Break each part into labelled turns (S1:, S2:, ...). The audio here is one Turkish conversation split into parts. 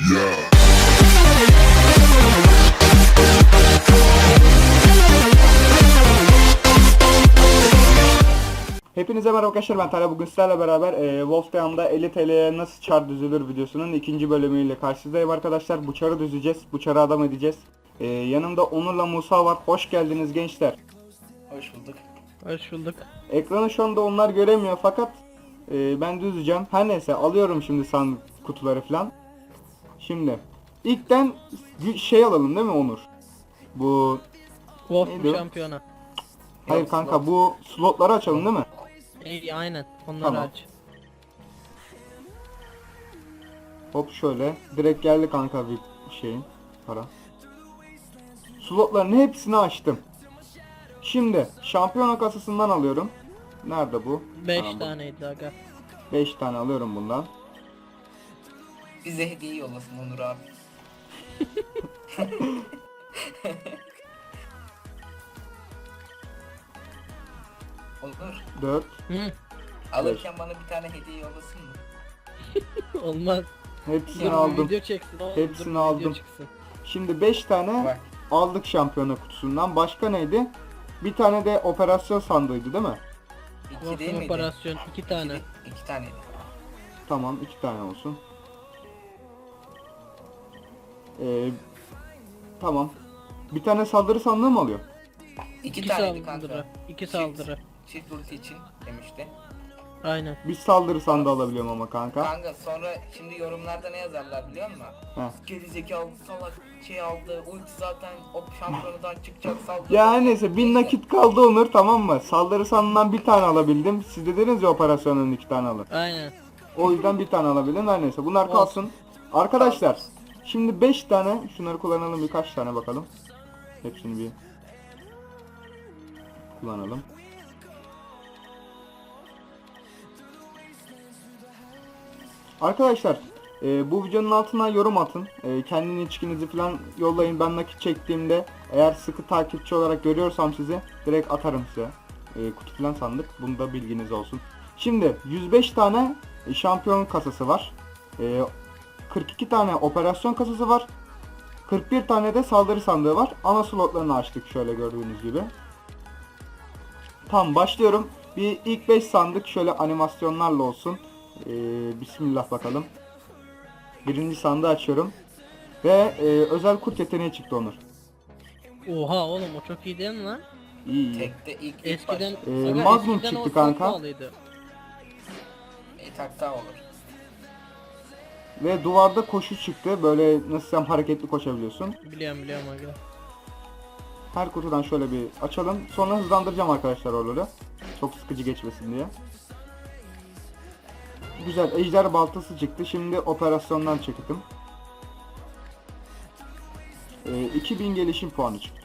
S1: Hepinize merhaba arkadaşlar, ben Talha. Bugün sizlerle beraber Wolfteam'da 50 TL'ye nasıl çar düzülür videosunun ikinci bölümüyle karşınızdayım arkadaşlar. Bu çarı düzeceğiz, bu çarı adam edeceğiz. Yanımda Onur'la Musa var. Hoş geldiniz gençler.
S2: Hoş bulduk.
S3: Hoş bulduk.
S1: Ekranı şu anda onlar göremiyor fakat ben düzeceğim. Her neyse, alıyorum şimdi sandık kutuları falan. Şimdi ilkten şey alalım değil mi Onur? Bu
S3: Wolf
S1: Neydi o?
S3: şampiyona.
S1: hayır kanka, bu slotları açalım değil mi?
S3: Aynen. Onları
S1: Tamam.
S3: aç.
S1: Hop şöyle. Direkt geldi kanka bir şeyin para. Slotların hepsini açtım. Şimdi şampiyona kasasından alıyorum. Nerede bu?
S3: 5
S1: Tamam, bu.
S3: taneydi aga.
S1: 5 tane alıyorum bundan.
S2: Bize hediye yollasın Onur abi. Onur,
S1: 4.
S3: Hı,
S2: alırken bana bir tane hediye yollasın mı?
S3: olmaz.
S1: Hepsini
S3: Dur,
S1: aldım.
S3: Video çeksin.
S1: Hepsini
S3: Video
S1: aldım.
S3: çıksın.
S1: Şimdi 5 tane
S2: Bak,
S1: aldık şampiyona kutusundan. Başka neydi? Bir tane de operasyon sandığıydı değil mi?
S2: iki değil
S3: Wolf'un
S2: miydi?
S3: operasyon 2 tane.
S2: İki taneydi.
S1: Tamam, 2 tane olsun. Tamam. Bir tane saldırı sandığı mı alıyor?
S2: İki
S3: 2
S2: taneydi
S3: saldırı.
S2: kanka.
S3: 2 saldırı.
S2: Çift ulti için demişti.
S3: Aynen.
S1: Bir saldırı sandığı alabiliyorum ama kanka.
S2: Kanka sonra şimdi yorumlarda ne yazarlar biliyor musun?
S1: Heh.
S2: Gerizekalı salak şey aldı, ulti zaten o şampiyonadan çıkacak saldırı.
S1: Ya her neyse, 1000 nakit kaldı Onur, tamam mı? Saldırı sandığından bir tane alabildim. Siz dediniz ya operasyonun 2 tane alın.
S3: Aynen.
S1: O yüzden bir tane alabildim. Her neyse, bunlar kalsın. Arkadaşlar şimdi 5 tane şunları kullanalım, birkaç tane bakalım. Hepsini bir kullanalım. Arkadaşlar bu videonun altına yorum atın. Kendini içkinizi falan yollayın. Ben nakit çektiğimde eğer sıkı takipçi olarak görüyorsam sizi direkt atarım size. Kutu falan sandık. Bunu da bilginiz olsun. Şimdi 105 tane şampiyon kasası var. 42 tane operasyon kasası var. 41 tane de saldırı sandığı var. Ana slotlarını açtık şöyle gördüğünüz gibi. Tamam, başlıyorum. Bir ilk 5 sandık şöyle animasyonlarla olsun. Bismillah bakalım. Birinci sandığı açıyorum. Ve özel kurt yeteneği çıktı Onur.
S3: Oha oğlum, o çok iyi değil mi lan?
S1: İyi iyi.
S2: Tekte ilk
S3: Eskiden
S2: başta.
S1: Magnum
S3: eskiden
S1: çıktı
S3: o çok
S1: kanka.
S3: pahalıydı.
S2: Tak daha olur.
S1: Ve duvarda koşu çıktı. Böyle nasıl desem, hareketli koşabiliyorsun.
S3: Biliyorum aga.
S1: Her kutudan şöyle bir açalım. Sonra hızlandıracağım arkadaşlar oraları. Çok sıkıcı geçmesin diye. Güzel, ejder baltası çıktı. Şimdi operasyondan çektim. 2000 gelişim puanı çıktı.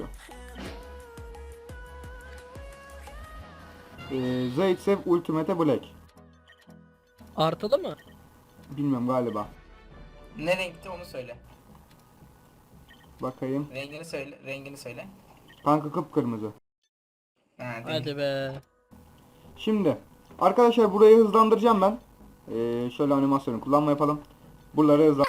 S1: Zaitsev Ultimate Black.
S3: Artılı mı?
S1: Bilmiyorum, galiba.
S2: Ne renkti onu söyle.
S1: Bakayım.
S2: Rengini söyle, rengini söyle.
S1: Kanka kıpkırmızı.
S2: Ha, değil.
S3: Hadi be.
S1: Şimdi arkadaşlar burayı hızlandıracağım ben. Şöyle animasyonu kullanma yapalım. Buraları hızlan.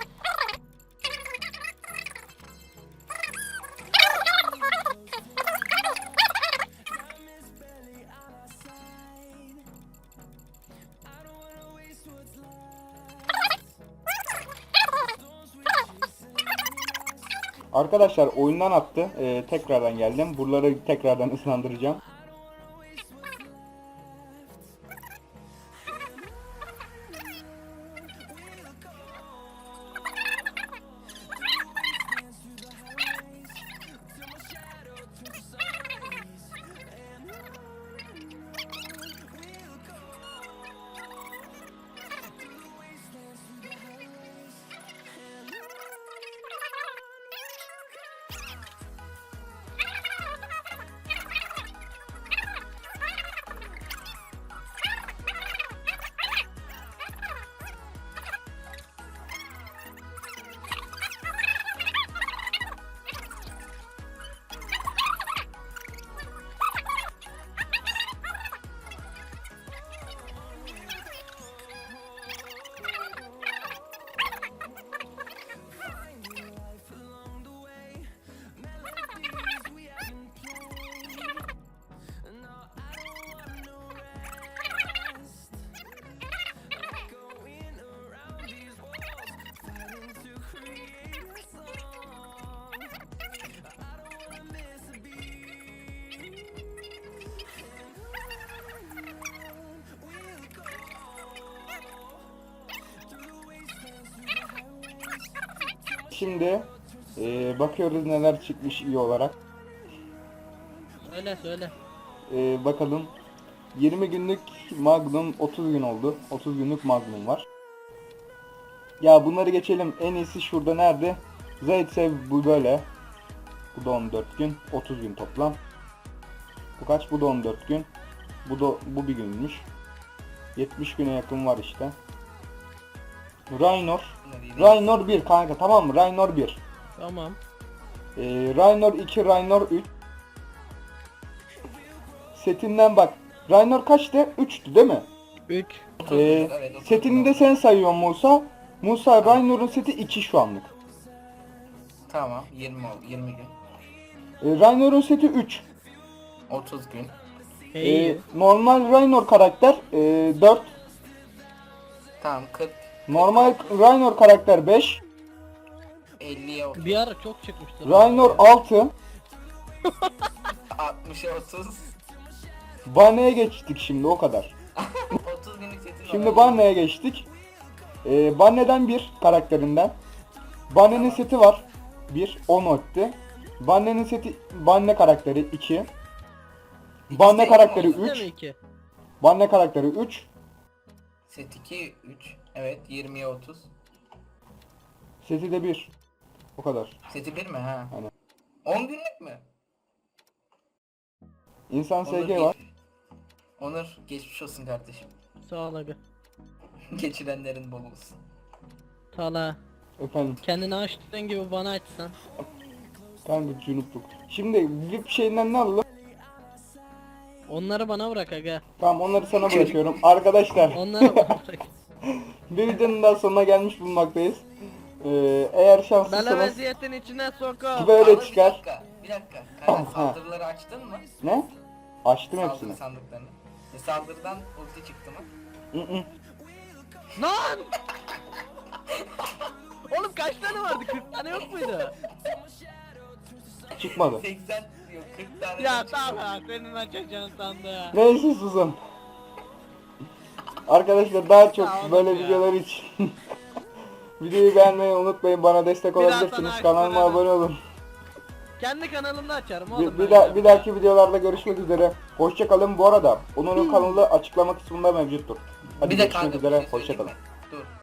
S1: Arkadaşlar oyundan attı. Tekrardan geldim. Buraları tekrardan hızlandıracağım. Şimdi bakıyoruz neler çıkmış iyi olarak.
S3: Söyle.
S1: Bakalım. 20 günlük Magnum 30 gün oldu. 30 günlük Magnum var. Ya bunları geçelim. En iyisi şurada nerede? Zaitsev bu böyle. Bu da 14 gün. 30 gün toplam. Bu kaç? Bu da 14 gün. Bu bir günmüş. 70 güne yakın var işte. Raynor 1 kanka, tamam mı? Raynor 1.
S3: Tamam.
S1: Raynor 2, Raynor 3. Setinden bak. Raynor kaçtı? 3'tü değil mi?
S3: 3.
S2: 30 gün, evet, 30
S1: Setini de
S2: gün.
S1: sen sayıyorsun Musa. Musa, Raynor'un seti 2 şu anlık.
S2: Tamam 20 oldu 20 gün.
S1: Raynor'un seti 3.
S2: 30 gün.
S3: İyi.
S1: Normal Raynor karakter 4.
S2: Tamam 40.
S1: Normal Raynor karakter 5.
S2: 50'ye 30.
S3: Bir ara çok çıkmıştı.
S1: Raynor 6.
S2: 60'a 30.
S1: Banne'ye geçtik şimdi, o kadar.
S2: 30 günlük setin
S1: Şimdi Banne'ye geçtik. Banne'den 1 karakterinden. Banne'nin seti var. 1. 10 etti. Banne'nin seti, Banne karakteri 2. Banne
S2: de
S1: karakteri
S2: iki mi
S1: 3.
S3: 2.
S1: Banne karakteri 3.
S2: Set 2 3. Evet 20'ye 30.
S1: Seti de 1. O kadar.
S2: Seti 1 mi ha?
S1: Aynen.
S2: 10 günlük mü?
S1: İnsan
S2: Onur,
S1: SG var.
S2: Onur geçmiş olsun kardeşim.
S3: Sağ ol abi.
S2: Geçirenlerin bol olsun.
S3: Tala.
S1: Efendim.
S3: Kendini açtığın gibi bana açsan.
S1: Kanka cunupluk. Şimdi VIP şeyinden ne alalım?
S3: Onları bana bırak aga.
S1: Tamam, onları sana bırakıyorum. Arkadaşlar,
S3: Onları bana bırak.
S1: bir videonun daha sonuna gelmiş bulunmaktayız. Eğer
S3: Bana
S1: şanslıysanız
S3: vaziyetin içine sokup.
S1: böyle
S2: Ama
S1: çıkar.
S2: Bir dakika. Kanka
S1: Ha.
S2: saldırıları açtın mı?
S1: Ne? Açtım hepsini.
S2: Saldırı sandıklarını. Saldırıdan ulti çıktı mı?
S1: Hı hı.
S3: Lan! Oğlum kaç tane vardı? 40 tane yok muydu?
S1: Çıkmadı.
S2: 80 yok 40 tane.
S3: Ya
S2: çıktı.
S3: tamam senin açacağın sandı.
S1: Neyse, susun. Arkadaşlar, daha çok
S3: Ya oğlum
S1: böyle
S3: ya.
S1: videolar için videoyu beğenmeyi unutmayın. Bana destek
S3: Biraz
S1: olabilirsiniz.
S3: sana
S1: Kanalıma
S3: açsana.
S1: abone olun.
S3: Kendi kanalımda açarım oğlum.
S1: Bir dahaki videolarda görüşmek üzere. Hoşça kalın. Bu arada Onur'un kanalı açıklama kısmında mevcuttur. Hadi
S2: Bir de
S1: görüşmek
S2: kanka bir
S1: üzere.
S2: şey
S1: Hoşça
S2: söyleyeyim
S1: kalın.
S2: mi? Dur.